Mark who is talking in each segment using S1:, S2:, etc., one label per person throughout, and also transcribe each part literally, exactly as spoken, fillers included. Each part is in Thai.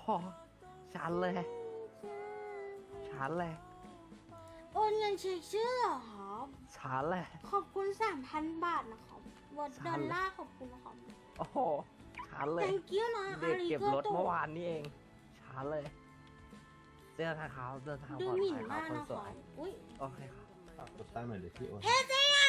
S1: ชันเลยชันเลย
S2: โอนเงินเช็คชื่อเหรอครับ
S1: ชันเลย
S2: ขอบคุณสามพันบาทนะครับวอดดอลลาร์ขอบคุณนะครับ
S1: โอ้โหชันเลย
S2: thank you นะ
S1: เด็กเก็บรถ
S2: อาริโกโต
S1: เมื่อวานนี้เองชันเลยเดินทางเขาเดินทาง
S2: ดู
S1: ปลอด
S2: หมิ่น
S1: ภัยครั
S2: มา
S1: บ
S2: ก
S1: คน
S2: นะ
S1: ส
S2: คว รั
S1: ย
S2: บอุ้ย
S1: โอเคครับ
S3: ฝากกดตั้งหน่อยเดี๋ยวพี่โอน
S2: เฮ้ยเจ๊อะ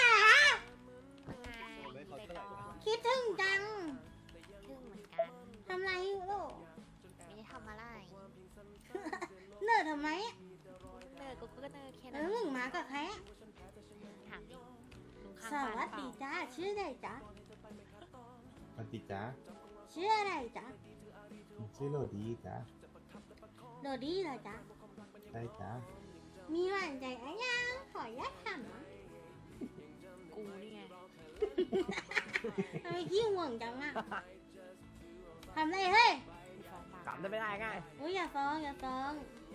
S2: คิดถึงจัง
S4: ทึ่งเหมือนกัน
S2: ทำไรอยู่ลูก
S4: ไม่ได้ทำอะไร
S2: เนิร์ดทำไม
S4: เนิร์ดกูก็เนิร์ดแค่
S2: เอ
S4: นั้น
S2: อมึงมากับใครอะ
S4: ถามดิลุงข้าง
S2: ส
S4: บ้าน
S2: วัส
S4: เป
S2: ดี
S4: ล่า
S2: จ้าชื่ออะไรจ๊ะ
S3: ปฏิจ้า
S2: ชื่ออะไรจ๊ะ
S3: ชื่อโรดีจ้า
S2: โดดี้เหรอจ๊ะ
S3: ใช่จ้า
S2: มีหวานใจอะยังขออนุญาตถามนะ
S4: กูนี่ไง
S2: ทำไมขี้ห่วงจังอะทำไรเฮ้ย
S4: กูฟ้องมาก
S1: ลับได้ไม่ได้ไง
S2: อุ้ยอย่าฟ้องอย่าฟ้อง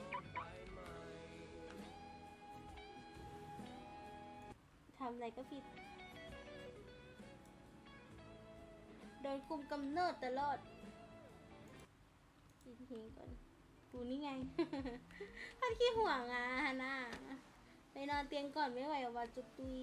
S2: ทำอะไรก็ผิด โดนคุมกำเนิดตลอดกินเพลงก่อนกูนี่ไง พัดขี้ห่วงอ่ะฮาน่าไปนอนเตียงก่อนไม่ไหวว่าจุกตุย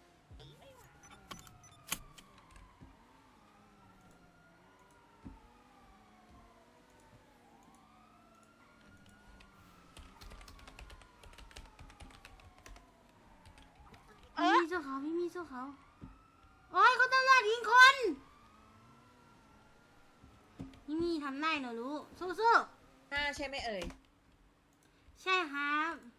S2: พี่มีสู้เขาพี่มีสู้เขาโอ้ยเขาตำรวจยิงคนพี่มีทำได้เหรอลูกสู้ๆ
S5: ห้าใช่ไหมเอ่ย
S2: ใช่ครับ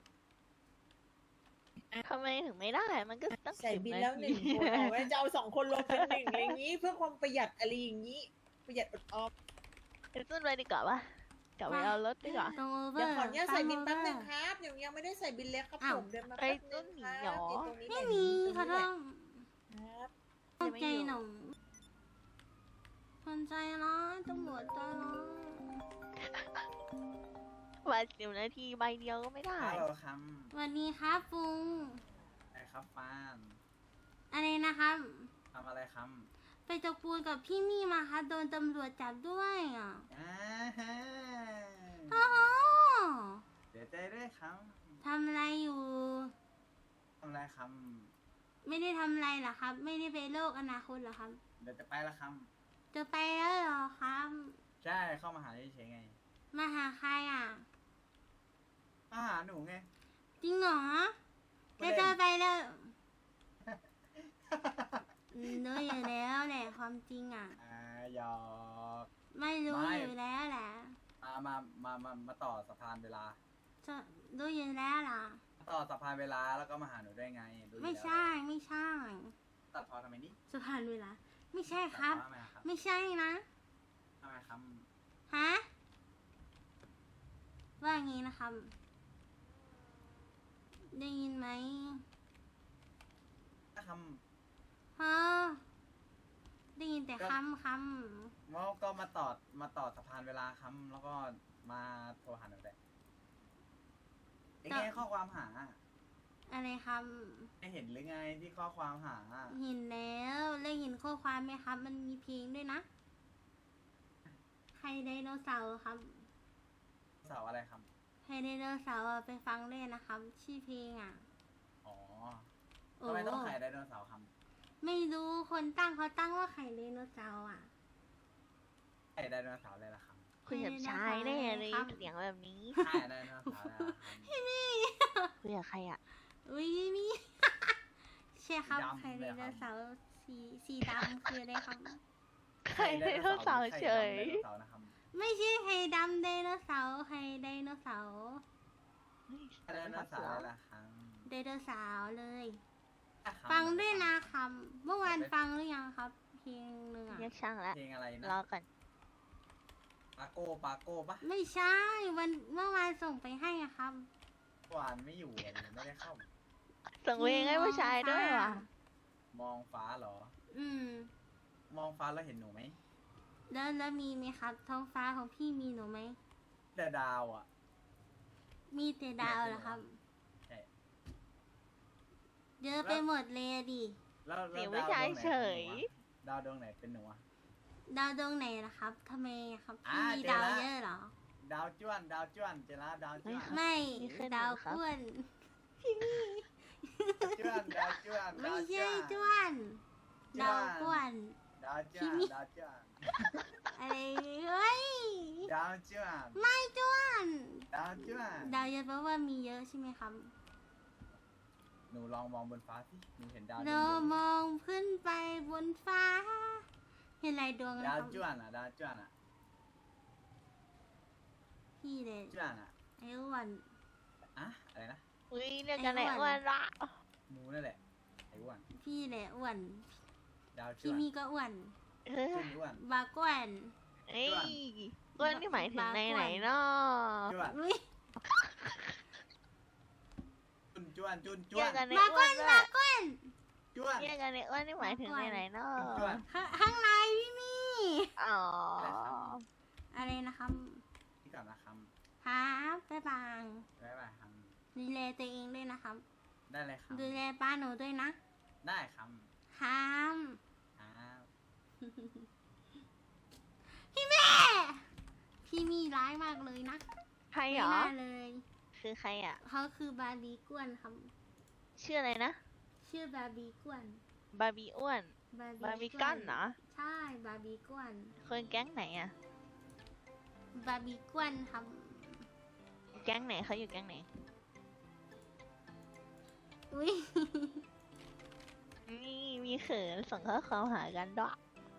S6: ทำไมถึงไม่ได้ มันก็ตั้ง
S5: ใส่
S6: สิบ
S5: บิน
S6: นา
S5: แล้วห
S6: ที
S5: นึ่งคนเอาไว้จะเอาสองคนรวมเป็นหนึ่งอย่างนี้ เพื่อความประหยัดอะไรอย่างนี้ ประหยัดอดออม
S6: ไปขึ้นไปดีกว่าปะกลับไปเอารถดีกว่า
S2: ตรงโอเวอ
S5: เดี๋ยว
S2: ร์
S5: ขออนุญาตใส่บินแป๊บหนึง
S2: ค
S5: ครับยังยังไม่ได้ใส่บินเล็กครับ
S2: อ้าว
S5: ผมเดินมา
S6: ไอ้
S5: แป๊บนึง
S6: ต้นหมี
S5: ครับ
S6: หรอ
S5: ไอ้ตรงนี้
S2: ไม่
S5: แหละ
S2: มี
S5: ตรง
S2: ค่ะ
S5: นี้แห
S2: ต้
S5: ละ
S2: อง
S5: ครับ
S2: เข้าใจหนูคนใจร้ายตำรวจใจร้าย
S6: วันสิบนาทีใบเดียวก็ไม่ได้
S7: ฮัลโหลครับ
S2: สวัสดีครับฟุง
S7: ไอ้ครับฟาน
S2: อะไรนะครับ
S7: ทำอะไรครับ
S2: ไปตกปูนกับพี่มี่มาครับโดนตำรวจจับด้วยอ่ะ
S7: อ่าฮะ
S2: โอ้โห
S7: เสียใจด้วยครับ
S2: ทำอะไรอยู่
S7: ทำอะไรครับ
S2: ไม่ได้ทำอะไรเหรอครับ ไม่ได้ไปโลกอนาคตเหรอครับ
S7: เดี๋ยวจะไปละครับ
S2: จะไปแล้วเหรอครับ
S7: ใช่เข้ามาหาเฉยๆไง
S2: มาหาใครอ่ะ
S7: มาหาหนูไง
S2: จริงเหรอ
S7: ไม่
S2: จะ
S7: เล่น
S2: เจอไปแล้วอืมรู้อยู่แล้วแหละความจริงอ่ะ
S7: อ่าหยอก
S2: ไม่รู้
S7: ไม่
S2: อยู่แล้วแหละ
S7: มามามามามาต่อสะพานเวลา
S2: จะรู้อยู่แล้วล่ะ
S7: ต่อสะพานเวลาแล้วก็มาหาหนูได้ไงรู้อยู่
S2: ไม่
S7: แล้ว
S2: ใช่ไม่ใช่
S7: ตัดพอทำไมนี่
S2: สุพรรณเวลา ไม่ใช่ครับ
S7: ตัดพอทำไมครับ
S2: ไม่ใช่นะ
S7: ทำไมครับ
S2: ฮะ ว่าอย่างงี้นะครับ ได้ยินไหม
S7: ถ้าค
S2: ฮะได้ยินแต่คำค
S7: ำว่าก็มาต่อมาต่อสะพานเวลาครับแล้วก็มาโทรหาหนูได้ยังไงข้อความหา
S2: ำอะไรค
S7: ไม่เห็นหรือไงที่ข้อความหา
S2: ำเห็นแล้วแล้วเห็นข้อความไหมครับ มันมีเพลงด้วยนะ ใครไดโนเสาร์ครับ
S7: เสาอะไรครับ
S2: ใครไดโนเสาร์อะไปฟังได้นะครับ ชื่อเพลงอ่ะ
S7: อ๋อ
S2: โอ้
S7: ทำไมต้องขายไดโนเสาร์ครับ
S2: ไม่รู้คนตั้งเขาตั้งว่าไข่ไดโนเสาร์อ่ะ
S7: ขายไดโนเสาร์เลยล่ะครับ
S6: คุยกับชายแน่เลยเสียงแบบนี้
S7: ขายไดโนเสาร์เลยล่ะครับ
S6: คุยกับใครอ่ะ
S2: อุ้ยนี่ ใช่ครับ
S7: ดำ
S2: ไข่ได
S7: เลย
S2: โน
S7: ครับ
S2: เสาร์สีสีดำคืออะไรครับ
S6: ใครไดโนเสาร์เฉย
S7: ไข่ดำไดโนเสาร์นะครับ
S2: ไม่ใช่ไข่ดำไดโนเสาร์ไข่ไดโนเสาร์
S7: ไดโนเสาร์เลยล่ะครับ
S2: ไดโนเสาร์เลย
S7: อ่ะครับ
S2: ฟังด้วยนะครับเมื่อวานฟังหรือยังครับ เพลงหนึ่งอ่ะ
S6: เรียกช่างแล้ว
S7: เพลงอะไรนะ
S6: รอก่อน
S7: ปาโก้ปาโก้ปะ
S2: ไม่ใช่วันเมื่อวานส่งไปให้อะครับ
S7: หวานไม่อยู่อะไม่ได้เข้า
S6: ส่งเพลงให้ผู้ชายด้วยว่ะ
S7: มองฟ้าเหรอ
S2: อืม
S7: มองฟ้าแล้วเห็นหนูไหม
S2: แล้วแล้วมีไหมครับ ท้องฟ้าของพี่มีหนูไหม
S7: แต่ดาวอ่ะ
S2: มีแต่ดาวเหรอครับ
S7: ใช่
S2: เยอะไปหมดเลยอะดิ
S7: แล้วแล้ว
S6: เสียง
S7: ด
S6: ผู้
S7: ว
S6: ชาย
S7: ดวงไหน
S6: เฉย
S7: เป็นหนูอะดาวดวงไหนเป็นหนูอะ
S2: ดาวดวงไหนล่ะครับทำไมอะครับ
S7: อ่า
S2: พี่มี
S7: เจอ
S2: ดาว
S7: ละ
S2: เยอะเหรอ
S7: ดาวจ้วนดาวจ้วนเจล่าดาวจ้วน
S2: ไม่
S6: นี่คือ
S2: ดาว
S6: หนูครับ
S2: ก้วน
S7: จ้วนดาวจ้วน
S2: ไม่
S7: ดาว
S2: ใช่
S7: จ้
S2: จ้
S7: ว
S2: วน น ดาวก้วน
S7: ดาวจ้วนดาวจ้วน
S2: อะไรเฮ้ย
S7: ดาวจ้วน
S2: ไม่จ้วน
S7: ดาวจ้วน
S2: ดาวเยอะแปลว่ามีเยอะใช่ไหมครับ
S7: หนูลองมองบนฟ้าสิหนูเห็นดาว
S2: เรา
S7: เยอะ
S2: มองขึ้นไปบนฟ้า เห็นอะไรดวง
S7: ๆ
S2: นะ
S7: ดา
S2: คว รับ
S7: จ้วนอ่ะดาวจ้วนอ่ะ
S2: พี่เลย
S7: จ้วนอ่ะ
S2: ไอ้อ้วน
S7: อะอะไรนะ
S6: อุ้ยเรียกกัน
S2: ไอ้
S6: ไอ้
S2: อ้
S6: อ้
S2: ว
S6: วน นละ
S7: หนูนั่นแหละไอ้อ้วน
S2: พี่เลยอ้วน
S7: ดาวจ้
S2: พี่
S7: วน
S2: มีก็อ้วน
S6: เฮ้ย
S7: ขึ้นอ้วน
S2: บาก้วน
S6: เอ้ยอ้วนนี่หมายถึงในไหนเนาะ
S7: จ้วน
S2: อุ้ย
S7: จุนจ้วนจุนจ้
S6: เรี
S7: วย น
S6: กกันไอ้
S2: บา
S6: อ้
S2: ก้
S6: ว
S2: วน น
S6: ด้ว
S2: บาย ก้วน
S7: จ้วน
S6: เรียกกันไอ้อ้วนนี่หมายถึงในไหนเนาะ
S7: จ้วน
S2: ข้าข้างในพี่มี
S6: อ๋อ
S2: อะไรนะครับ
S7: พี่กลับนะครับ
S2: ครับบ๊ายบาย
S7: บ๊ายบายครับ
S2: ดูแลตัวเองด้วยนะครับ
S7: ได้เลยครับ
S2: ดูแลป้าหนูด้วยนะ
S7: ได้ครับ
S2: ครับ
S7: ครับ
S2: พี่แม่ พี่มีร้ายมากเลยนะ
S6: ใคร
S2: ไม่
S6: เหรอ
S2: น่าเลย
S6: คือใครอ่ะ
S2: เขาคือบาร์บีก้วนครับ
S6: ชื่ออะไรนะ
S2: ชื่อบาร์บีก้วน
S6: บาร์บี้อ้วน
S2: บาร์
S6: บาร์บีกั้นเหรอ
S2: ใช่บาร์บีก้วน
S6: คนแก๊งไหนอ่ะ
S2: บาร์บีก้วนครับ
S6: แก๊งไหนเขาอยู่แก๊งไหน
S2: อุ้ย
S6: นี่มีเขินส่งข้อความหากันด้วย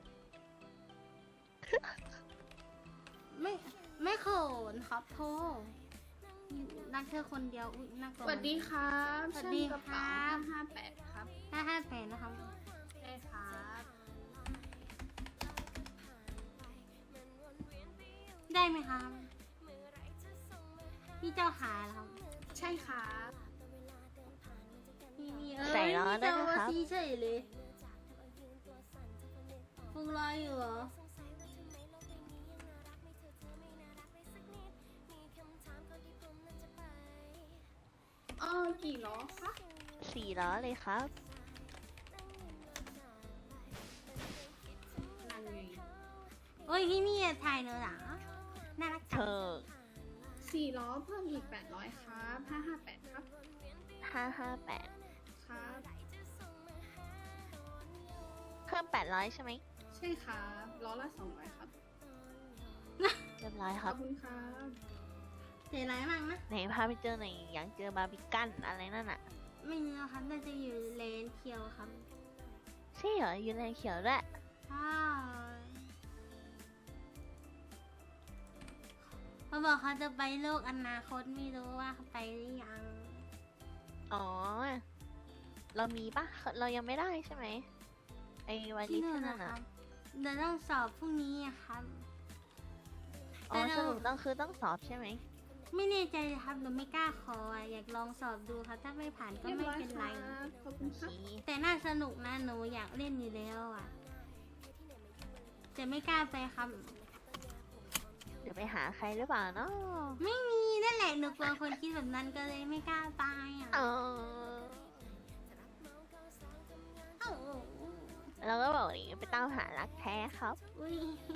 S2: ไม่ไม่โขนครับโทรักเธอคนเดียวอุ้ยน่ากลั
S8: ส
S2: ว
S8: วัสดีครับ
S2: สวัสดี
S8: ช่างกระ
S2: ครั
S8: เป๋า
S2: บ
S8: ห้าแปดครับ
S2: ห้าห้าแปดนะครับ
S8: ใช่ครับ
S2: ได้ไหมครับ พี่เจ้าขาเหรอครับ
S8: ใช่ครับ
S2: พี่มีเอ้ย
S6: ใส่ล้อ
S2: พี่
S6: ด้วย
S2: เจ้า
S6: นะ
S2: ว่า
S6: ครับ
S2: ซีเฉยเลยฟุงรออยู่เหรอ
S8: อ๋อกี่ล้อคะ
S6: สี่ล้อเลยครับ
S8: นั่นไง
S2: โอ้ยพี่มีอะถ่ายเนอะหรอน่ารัก
S6: เธ
S2: จัง
S6: อ
S8: สี่ล้อเพิ่มอีกแปดร้อยครับห้าห้าแปดครับ
S6: ห้าห้าแปด
S8: ครับ
S6: เพิ่มแปดร้อยใช่ไหม
S8: ใช่ครับล้อละสองร้อยครับ
S6: เรียบร้อย
S8: ข
S6: ค
S8: อ
S6: รั
S8: บบ คุณครับ
S2: เสียร้ายมากนะ
S6: ไหนพาไปเจอหน่อยอยากเจอบาร์บีกันอะไรนั่นอ่ะ
S2: ไม่มีแล้วครับน่าจะอยู่เลนเคียวครับ
S6: ใช่เหรออยู่ในเขียวด้วย
S2: ใช่เขาบอกเขาจะไปโลกอนาคตไม่รู้ว่าเขาไปหรือยัง
S6: อ๋อ เรามีปะเรายังไม่ได้ใช่ไหมไอ้วัน
S2: ที่
S6: นี้
S2: นู่น
S6: ที่นั่
S2: นะ
S6: น
S2: ค
S6: อ่ะ
S2: รับเดี๋ยวต้องสอบพรุ่งนี้อะครับ
S6: อ๋อ
S2: แต่
S6: ส
S2: เรา
S6: รุปต้องคือต้องสอบใช่ไหม
S2: ไม่แน่ใจเลยครับหนูไม่กล้าขออะอยากลองสอบดูครับถ้าไม่ผ่านก็
S8: เรียบ
S2: ไม่
S8: ร้อย
S2: เป็น
S8: ค
S2: ไร
S8: รับขอบคุ
S6: โอ
S8: ณ
S6: เค
S8: ครับ
S2: แต่น่าสนุกนะหนูอยากเล่นอยู่แล้วอ่ะแต่ไม่กล้าไปครับ
S6: เดี๋ยวไปหาใครหรือเปล่าเนาะ
S2: ไม่มีนั่นแหละหนูกลัวคนคิดแบบนั้นก็เลยไม่กล้าไปอ่ะ
S6: อ๋อ
S2: เอ้า
S6: เราก็บอกดิไปตามหารักแท้ครับ
S2: อุ้ย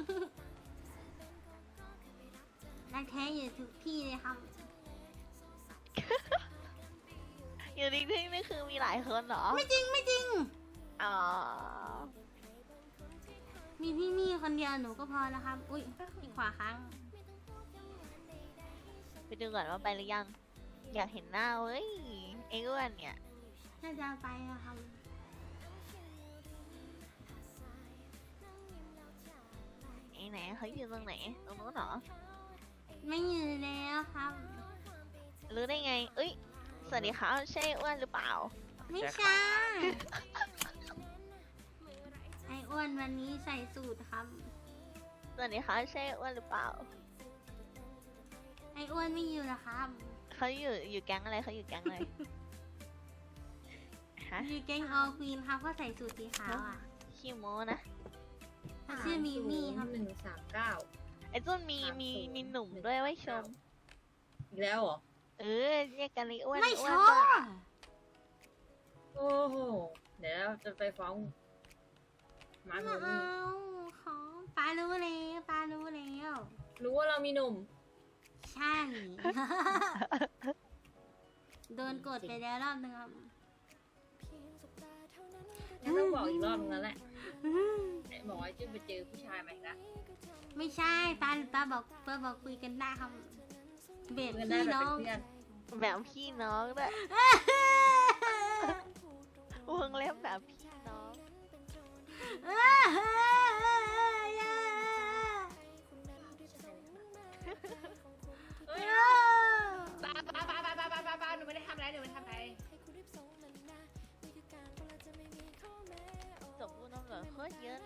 S2: รักแท้อยู่ทุกที่เลยครับ
S6: อยู่จริงๆนี่คือมีหลายคนเหรอ
S2: ไม่จริงไม่จริง
S6: อ๋อ
S2: มีพี่มี่คนเดียวหนูก็พอแล้วครับ อุ้ยอีกขวาค้าง
S6: ไปดูก่อนว่าไปหรือยัง อยากเห็นหน้าเว้ยไอ้อ้วนเนี่ย
S2: น่าจะไปอะครับ
S6: ไอ้ไหนเขาอยู่ตรงไหน ตรงนู้นเหรอ
S2: ไม่อยู่แล้วครับ
S6: รู้ได้ไง เอ้ย สวัสดีครับใช่อ้วนหรือเปล่า
S2: ไม่ใช่ไออ้วนวันนี้ใส่สูตรครับ
S6: สวัสดีครับใช่อ้วนหรือเปล่า
S2: ไออ้วนไม่อยู่นะครับ
S6: เขาอยู่อยู่แก๊งอะไรเขาอยู่แก๊งอะไร ฮะ
S2: อยู่แก๊งออลควีนครับก็ใส่สูตรสีขาวอ่ะ
S6: ขี้โม้นะ
S2: เขาชื่อมีมี่ครับ
S5: หนึ่งสามเก้า
S6: ไอ้ต้นมีมีมีหนุ่มด้วยไว้ชม
S5: อีกแล้วเหรอ
S6: เออเรียกกันเลยอ้วน
S2: ไม่
S6: อ้
S2: ช
S6: วน
S2: อ
S6: ด้วย
S2: บ
S5: โอ้โห เดี๋ยวจะไปฟ้องมา
S2: ไม่
S5: โม
S2: เอา
S5: นี่
S2: ขอปารู้แล้วปารู้แล้ว
S5: รู้ว่าเรามีหนุ่ม
S2: ใช่ โดนกดไปแล้วรอบนึงครับ
S5: งั้นต้องบอกอีกรอบนึงแล้วแหละไอ้บอกว่าจะไปเจอผู้ชายใหม่ละ
S2: ไม่ใช่ป้าป้าบอกป้าบอกคุยกันได้ครับ เบ็ด
S5: เงินได้
S2: พี่
S5: แบบ
S2: น้
S5: เป็
S2: อน ง
S5: เพื่อน
S6: แบบพี่น้องด้วยวงเล็บแบบพี่น้อง
S5: เฮ้ยป้าป้าป้าป้าป้าป้าป้าป้าหนูไม่ได้ทำอะไรหนูไม่ได้ทำอะไร
S6: จบพูดน้ำเหลือโคตรเยอะเลย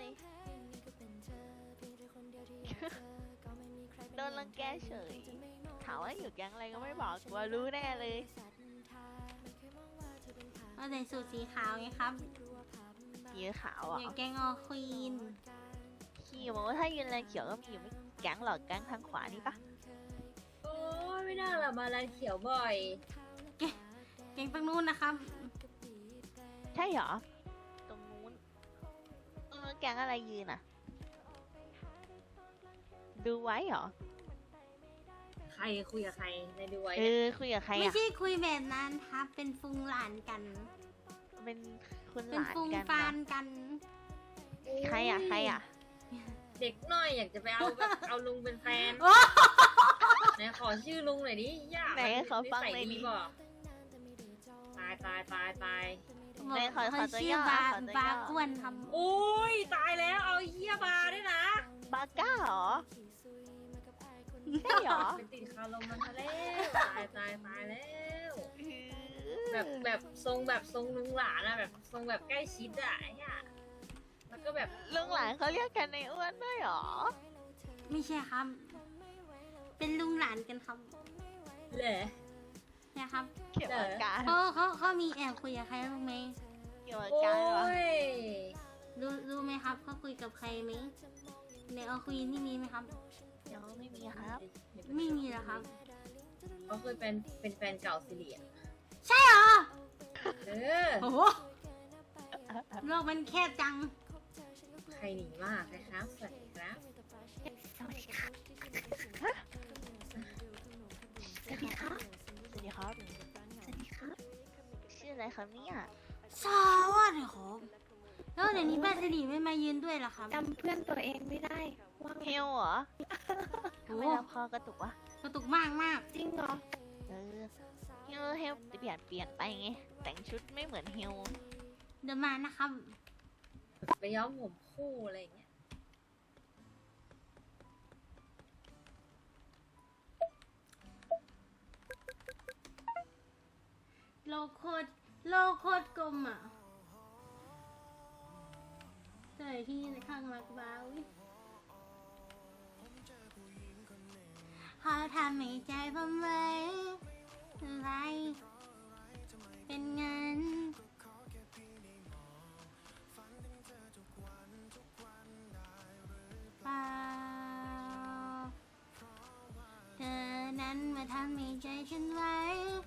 S6: โดนรังแกเฉย ถามว่าอยู่แก๊งอะไรก็ไม่บอกกลัวรู้แน่เลย
S2: เอาแต่สูตรสีขาวไงครับ
S6: สีขาวอ่ะ
S2: อย่างแกงออควีน
S6: ขี้บอกว่าถ้ายืนแรงเขียวก็มีอยู่ไม่แก๊งหรอกแก๊งทางขวานี่ปะ
S5: โอ้ยไม่น่าหรอกมาแลนเขียวบ่อย
S2: แกงตรงนู้นนะครับ
S6: ใช่เหรอ ตรงนู้นตรงนู้นแก๊งอะไรยืนอ่ะ ดูไว้เหรอ
S5: ใครคุยกับใครในดูไว้
S6: เอ
S5: เนี่ย
S6: อคุยกับใคร
S2: ไม่
S6: อ่ะ
S2: ใช่คุยแบบนั้นครับ เป็นฟุงหลานกัน
S6: เป็นคุณ
S2: เป็
S6: ห
S2: น
S6: ลาน
S2: ฟุง
S6: กัน
S2: ฟา
S6: เหรอน
S2: กัน
S6: ใครอ่ะใครอ่ะ
S5: เด็กน้อยอยากจะไปเอาแบบ เอาลุงเป็นแฟนไหนขอชื่อลุงหน่อยดิยาก
S6: ไหนขอฟังหน่อยดิ
S5: นิสับอกตายตายตายตาย
S6: ไหนขอขอ
S2: เขา
S6: ตัว
S2: ชื่อย่
S6: อ
S2: บา
S6: ขอตัวย่อ
S2: บาอ้วนครับ
S5: โอ้ยตายแล้วเอาเฮียบาร์ด้วยนะ
S6: บาก้าเหรอ ใช่เหรอ
S5: เป็นติดคาลมมันซะแล้วตายตายตายแล้ว แบบแบบทรงแบบทรงลุงหลานอะแบบทรงแบบใกล้ชิดอะไอ้เหี้ยแล้วก็แบบ
S6: ลุงหลานเขาเรียกกันในอ้วนด้วยเหรอ
S2: ไม่ใช่ครับ เป็นลุงหลานกันครับ
S5: เหละ
S2: นะครับ
S6: เกี่ยวกับการ
S2: เขาเขาเขามีแอบคุยกับใครบ้างไหม
S6: เกี่ยวกับ
S5: โอ้
S6: การวะ
S5: ย
S2: รู้รู้ไหมครับเขาคุยกับใครไหมในออควีนนี่มีไหมครับ
S6: ยังไม่มีครับ
S2: ไม่มีเหรอครับ
S5: เขาเคยเป็นเป็นแฟนเก่าสิริอะ
S2: ใช่เหรอ
S5: เออ
S2: โอ้โหโลกมันแคบจัง
S5: ใครหนีมากใครครับสวัสดีครับ
S6: สวัสดีครับสวัสดีครับ สวัสดีครับ สวัสดีครับ ชื่ออะไรครับเนี่ย
S2: สวัสดีครับแล้วเดี๋ยวนี้ป้าสิริไม่มายืนด้วยเหรอครับ
S8: จำเพื่อนตัวเองไม่ได้ว่าไง
S6: เฮลเหรอ
S2: โอ้
S6: ทำไมลำคอกระตุกวะ
S2: กระตุกมากมาก
S8: จริงเหรอ
S6: เออเฮลเฮลเปลี่ยนเปลี่ยนไปไง แต่งชุดไม่เหมือนเฮล
S2: เดี๋ยวมานะครับ
S5: ไปย้อมผมคู่อะไรอย่างเงี้ย
S2: โลโคตรโลโคตรกลมอ่ะเจอที่ในข้างมักบ้าวิเขาทำให้ใจผมไว้อะไรเป็นเงินเปล่าเธอนั้นมาทำให้ใจฉันไว้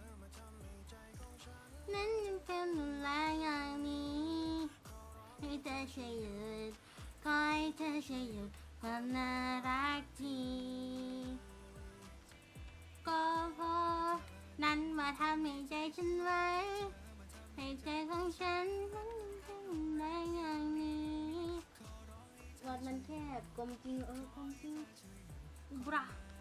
S2: นั้นยังเป็นรุนแรงอย่างนี้ให้เธอช่วยหยุดขอให้เธอช่วยหยุดความน่ารักทีก็พอนั้นมาทำให้ใจฉันไว้ให้ใจของฉันนั้นยังเป็นรุนแรงอย่างนี้วัดมันแคบกลมจริงเออกลมจริงบรา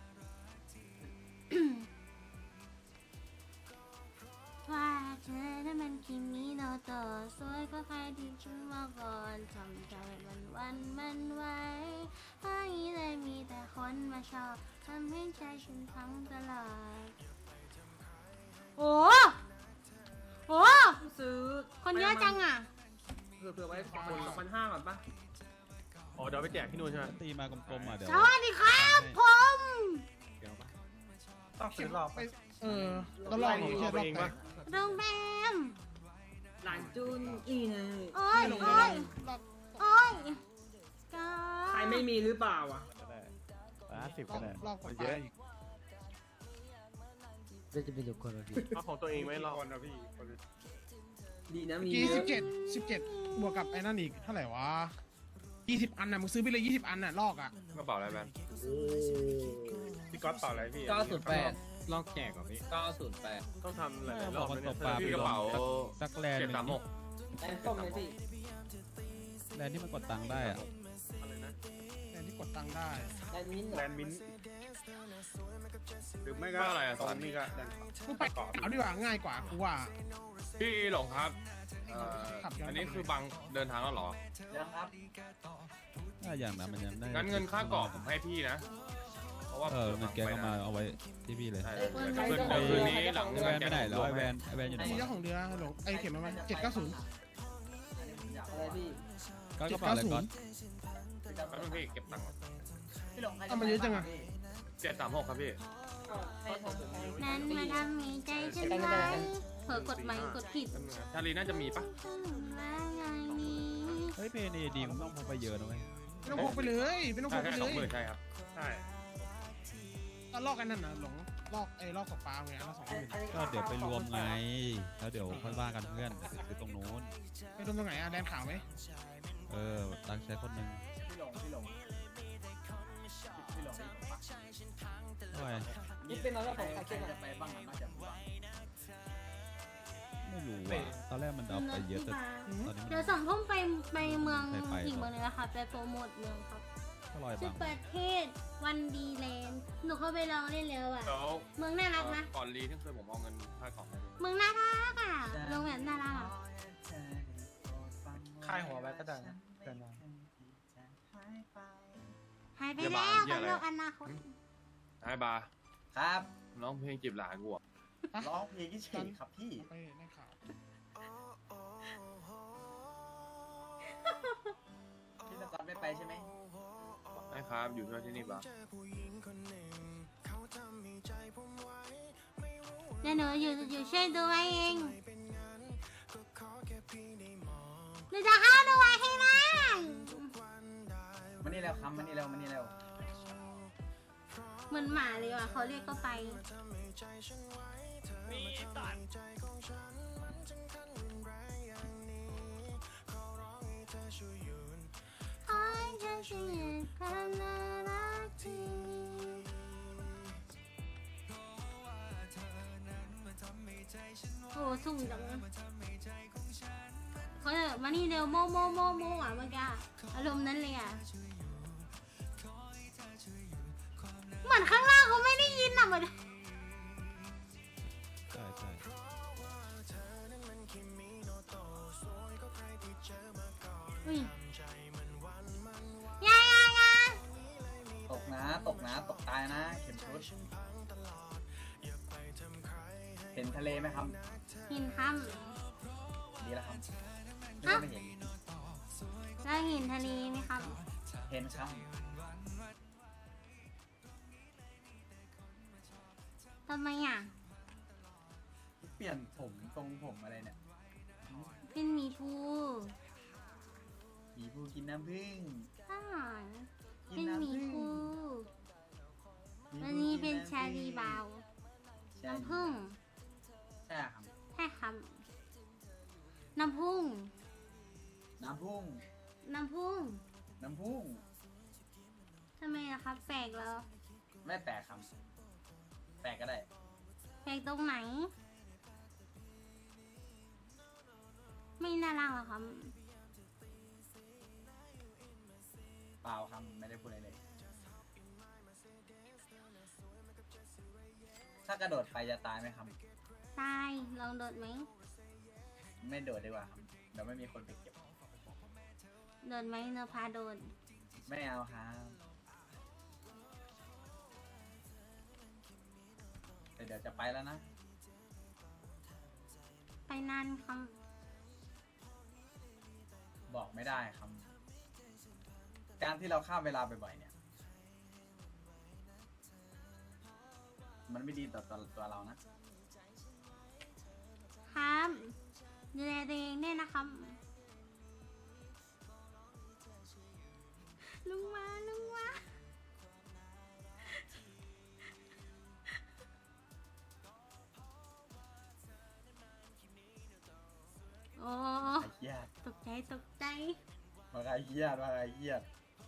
S2: ว่าเธอนั้นมันคิมิโนโตะสวยก็ใครที่ฉันมาก่อนทำใจมันวันมันไหวไม่ได้มีแต่คนมาชอบทำให้ใจฉันพังตลอดโอ้โห
S9: ซื้อ
S2: คนเยอะจังอ่ะ
S9: เผื่อเผื่อไว้คนสองพันห้าก่อนปะอ๋อเดี๋ยวไปแจกที่นู่นใช่ไหม
S10: ตีมากลมๆอ่ะเดี๋ยว
S2: สวัสดีครับผม
S9: เดี๋ยวปะต้องซื้อรอบปะ
S10: เออต้องลอง
S9: ของเราเองปะ
S2: โรงแรม
S5: หลานจุนอีไง
S2: โอ้ยโอ้ยโอ้ยก็
S9: ใครไม่มีหรือเปล่าอ่ะ
S10: ก็ได้ห้าสิบก็ได้เยอะอีก
S1: ก็จะเป็นทุกคนพี่
S9: เอาของตัวเองไหมรอบนะพี่ดีนะมี
S10: กี่สิบเจ็ดสิบเจ็ดบวกกับไอ้นั่นอีกเท่าไหร่วะยี่สิบอันน่ะมึงซื้อไปเลยยี่สิบอันน่ะลอกอ่ะ
S9: กระเป๋าอะไรแบนพี่ก๊อตต่ออะไรพี่
S7: เก้าศูนย์แปด
S10: ลอกแจกเหรอพี่
S7: เก้าศูนย์แปด
S9: ต้องทำหลายๆร
S10: บ
S9: อ
S10: อบ กว่า
S9: นะ
S10: ตกปลา
S9: พี่
S10: ไป
S9: กระเป๋า
S10: สักแลนด์ห
S9: เจ็ด
S10: นึ่ง
S9: สามหก
S7: แอนส้มเลยพี่
S10: แลนด์ที่มันกดตังค์ได้อ่ะ
S9: อะไรนะ
S10: แลนด์ที่กดตังค์ได้
S7: แอนมิ้น
S9: แลนด์มินท์หรือไม่ก็อะไรอ่ะตอนนี้ก็แลนด์
S10: กูไปเอาดีกว่าง่ายกว่ากูว่า
S9: พี่หลงครับเอ่อ
S10: ขับย้อน
S9: อันนี้คือบังเดินทางแล้วเหรอ
S7: ยังครับ
S10: ถ้าอย่างนั้นมันยังได้
S9: งั้นเงินค่าเกาะผมให้พี่นะ เพราะว่า
S10: เออเงินแกก็มาเอาไว้ที่พี่เลย
S9: ใช่เดี๋ยวคืนเดี๋ยวคืนนี้หลัง
S10: ไอ
S9: เลิ
S10: แว
S9: ก
S10: นไปไหนแล้วไอแวนไอแวนอยู่ไหน
S11: ไอ้เจ้าว
S10: ะ
S11: ของเรือหลงไอ้เข็มมันเจ็ดเก้าศูนย์
S7: อะไรพี่
S10: ก็กระเป๋าอะไรก่อน
S9: แป๊บนึงพี่เก็บตังค์ก่อน
S7: พี่หลงใคร
S11: เอามาเยอะจังอะ
S9: เจ็ดสามหกครับพี่
S2: นั้นมาทำมีใจฉันไว้เผลอกดไม้กดผิด
S9: แป๊บนึงนะชาลีน่าจะมีปะ
S2: ว่าไงนี้
S10: เฮ้ยเพนเอดีมึงต้องพกไปเยอะนะเว้ย
S11: ไม่ต้องพกไปเลยไม่ต้องพ
S9: ใช่
S11: กไป
S9: ใช่
S11: เล
S9: สอง
S11: ย
S9: หมื่นใช่ครับ ใช่
S11: ตอนลอกกันนั่นน่ะหลงลอกไอ้ลอกตกปลาไงละสองหมื่น
S10: ก็เดี๋ยวไปรวมไง แล้วเดี๋ยวค่อยว่ากันเพื่อนคือตรงนู้น
S11: ไปโดนตรงไหนอะแดนขาวไหม
S10: เออตังใช้คนหนึ่ง
S7: พี่หลงพี่หลงพี่หลง
S10: เท่าไหร่
S7: นี่เป็นอะไรของใครจะไปบ้างน่าจะบ้าง
S10: ไม่รู้อ่ะตอนแรกมันเอาไปเยอะแต่ตอนนี้มัน
S2: เดี๋ยวสองทุ่มไปไปเมือง
S10: ไปไป
S2: อีกเมืองหนึงนะคะไปโปรโมทเมืองครับ
S10: ก็ลอย
S2: ชื่
S10: บั
S2: อง ประเทศวันดีแลนด์หนูเข้าไปลองเล่นแล้วอ่ะ
S9: แล้ว
S2: เมืองน่ารักนะ
S9: ก่อนรีที่เคยผมเอาเงินค่าเกาะให้ดู
S2: เมืองน่ารักอ่ะโรงแรมน่ารักอ่ะ
S7: ค่ายหัวไว้ก็ได้นะ
S2: หายไปแล้วกับโลกอนาคต
S9: ไอ้บาร์
S7: ครับ
S9: น้องเพลงจีบหลานกูอ่ะ
S7: ร้องเพลงที่เฉยครับพี่
S11: ไปแดนขาว
S7: พี่ตะกอนไม่ไปใช่ไหม
S9: ไอ้ครับอยู่ที่นี่ปะ
S2: เดี๋ยวหนูอยู่อยู่ช่วยดูไว้เองหนูจะเข้าดูไว้ให้ได้
S7: มานี่แล้วครับมานี่แล้วมานี่แล้ว
S2: เหมือนหมาเลยว่ะเขาเรียกก็ไปขอให้เธอช่วยยืนความน่ารักที่โอ้สูงจังเขาจะมานี่เร็วโมโมโมโมอ่ะเมื่อกี้อารมณ์นั้นเลยอ่ะเหมือนข้างล่างเขาไม่ได้ยินอ่ะเหมือน
S10: ใช่ใช่
S2: อุ้ยยายายา
S7: ตกนะตกนะตกตายนะเข็มชุดเห็นทะเลไหมครับ
S2: หินค
S7: ดีแล้วครับไม่ได้ไม่เห็น
S2: ำแล้วหินทะเลไหมครับ
S7: เห็นครับ
S2: ทำไมอ่ะ
S7: เปลี่ยนผมทรงผมอะไรเนี่ย
S2: เป็นหมีภู
S7: หมีภูกินน้ำผึ้ง
S2: อ่า
S7: กิ
S2: เป็นหมี
S7: น้ำผึ้ง
S2: ภู
S7: ห
S2: วัน
S7: ภู
S2: นี้
S7: กิ
S2: เป็น
S7: ำ
S2: ชาลีบาว
S7: ใช่
S2: น้ำผึ้ง
S7: ใช่ครับ
S2: ใช่ครับน้ำผึ้ง
S7: น้ำพุ่ง
S2: น้ำผึ้ง
S7: น้ำพุ่ง
S2: ทำไมล่ะครับแปลกแล้ว
S7: ไม่แปลกครับแปลกก็ได้
S2: แปลกตรงไหน ไม่น่ารักหรอครับ
S7: เปล่าครับไม่ได้พูดอะไรเลย ถ้ากระโดดไปจะตายไหมครับ
S2: ตาย ลองโดดไหม
S7: ไม่โดดดีกว่าครับเดี๋ยวไม่มีคนไปเก็บ
S2: โดดไหมเนอพาโดด
S7: ไม่เอาครับแต่เดี๋ยวจะไปแล้วนะ
S2: ไปนานครับ
S7: บอกไม่ได้ครับ การที่เราข้ามเวลาบ่อยๆเนี่ย มันไม่ดีต่อตัวตัวเรานะ
S2: ครับดูแลตัวเองด้วยนะครับ ลุงมาลุงมาโอ้
S7: ไอ้เหี้ย
S2: ตกใจตกใจ
S7: มว่าใครเครียดว่าใครเครียด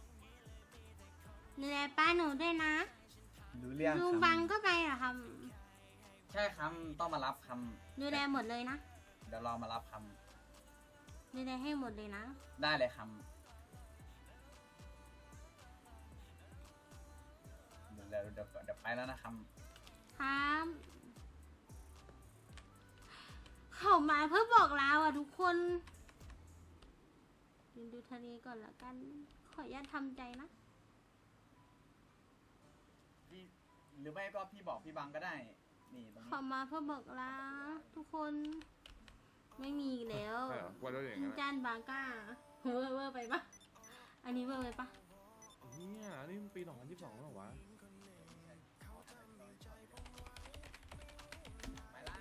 S2: ดูแลป้าหนูด้วยนะ
S7: รู้เรื่อง
S2: ลุง
S7: ค
S2: บังก็ไปเหรอครับ
S7: ำใช่คำต้องมารับคำ
S2: ดูแลหมดเลยนะ
S7: เดี๋ยวรอมารับค
S2: ดูแลให้หมดเลยนะ
S7: ำได้เลยคำเดี๋ยวเดี๋ยวเดี๋ยวเดี๋ยวไปแล้วนะค
S2: ครับเขามาเพื่อบอกลาอ่ะทุกคนยืนดูทะเลก่อนละกัน ขออนุญาตทำใจนะ
S7: ำพี่หรือไม่ก็พี่บอกพี่บังก็ได้ นี่ตรง
S2: เขา
S7: นี้
S2: มาเพื่อบอกลาทุกคน ไม่มีอีกแล้ว
S9: ใช่เหรอว่าแล้วอย่างนั้น
S2: จานบางก้าเวอร์เวอร์ไปปะอันนี้เวอร์ไปปะ
S9: เนี่ยนี่มันปีสองพันยี่สิบสองแล้วเหรอวะ
S7: ไปละ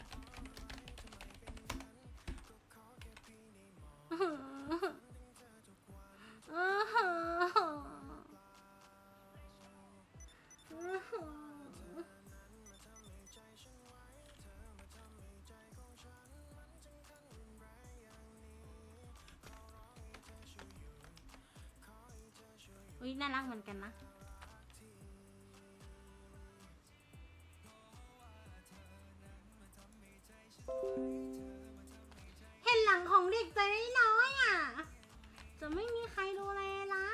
S2: อุ้ยน่ารักเหมือนกันนะ เห็นหลังของเด็กตัวน้อยๆอ่ะ จะไม่มีใครดูแลแล้ว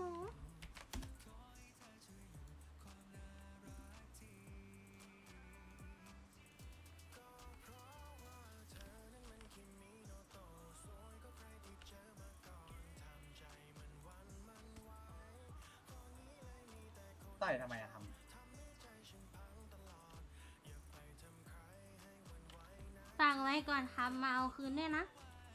S7: ต่อยทำไมอะทำ
S2: ฟังไว้ก่อนครับมาเอาคืนด้วยนะ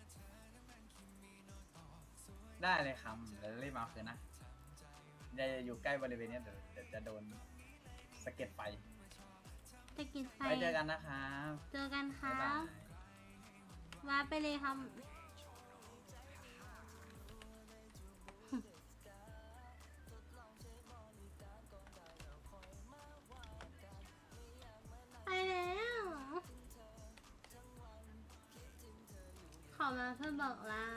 S7: ได้เลยคำเดี๋ยวรีบมาเอาคืนนะอย่าอยู่ใกล้บริเวณเนี้ยเดี๋ยวเดี๋ยวจะโดนสะเก็ดไฟ
S2: จะกินไฟ
S7: ไว้เจอกันนะครับ
S2: เจอกันค
S7: บ๊าย
S2: รั
S7: บา
S2: บ
S7: ย
S2: ว่าไปเลยครับ ไปแล้ว ขอมาเพื่อบอกลา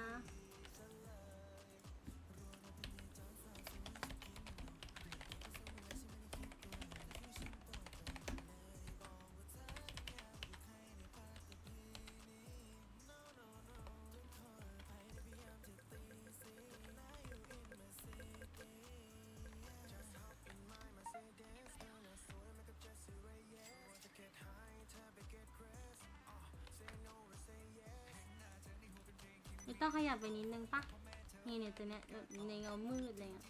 S2: ไม่ต้องขยับไปนิดนึงปะนี่เนี่ยตัวเนี้ยแบบในเงามืดอะไรเงี้ย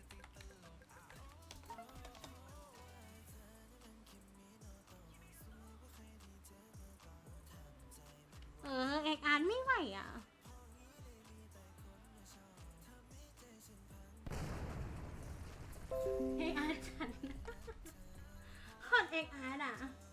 S2: เออเอกอ่านไม่ไหวอ่ะ เอกอาร์ตฉัน โคตรเอกอาร์ตอ่ะ